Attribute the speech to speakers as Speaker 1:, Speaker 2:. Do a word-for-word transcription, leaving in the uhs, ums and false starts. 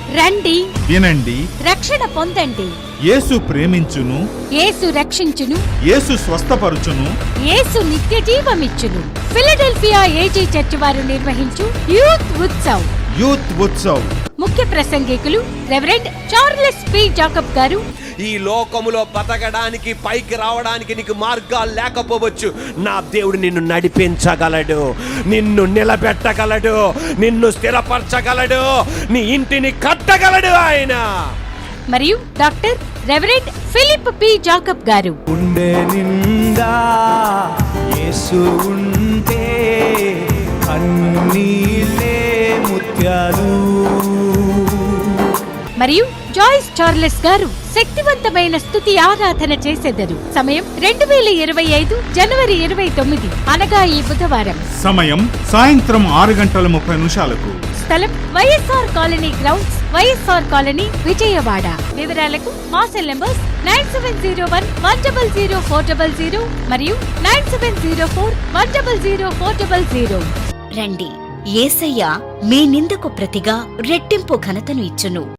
Speaker 1: రండి,
Speaker 2: వినండి,
Speaker 1: రక్షణ పొందండి.
Speaker 2: యేసు ప్రేమించును,
Speaker 1: యేసు రక్షించును,
Speaker 2: యేసు స్వస్థపరుచును,
Speaker 1: యేసు నిత్య జీవమిచ్చును. ఫిలడెల్ఫియా ఏజీ చర్చ్ వారు నిర్వహించు యూత్ ఉత్సవ్.
Speaker 2: యూత్ ఉత్సవ్
Speaker 1: ముఖ్య ప్రసంగికులు రెవరెండ్ చార్లెస్ పి జాకబ్ గారు.
Speaker 3: ఈ లోకములో బతకడానికి, పైకి రావడానికి నీకు మార్గాలు లేకపోవచ్చు. నా దేవుడు నిన్ను నడిపించగలడు, నిన్ను నిలబెట్టగలడు, నిన్ను స్థిరపరచగలడు, నీ ఇంటిని కట్టగలడు ఆయన.
Speaker 1: మరియు doctor reverend Philip P Jacob గారు.
Speaker 4: గుండె నిండా యేసు ఉంటే కన్నీలే ముత్యాలు.
Speaker 1: మరియు జాయిస్ చార్లెస్ గారు శక్తివంతమైన స్తుతి ఆరాధన చేసెదరు. సమయం రెండు వేల ఇరవై ఐదు జనవరి ఇరవై తొమ్మిది అనగా ఈ బుధవారం.
Speaker 2: సమయం సాయంత్రం ఆరు గంటల ముప్పై నిమిషాలకు.
Speaker 1: స్థలం YSR colony grounds, YSR colony, Vijayawada. వివరాలకు మా cell numbers nine seven zero one one double zero four double zero మరియు nine seven zero four one double zero four double zero.
Speaker 5: రండి, యేసయ్య మీ నిందకు ప్రతిగా రెట్టింపు ఘనతను ఇచ్చును.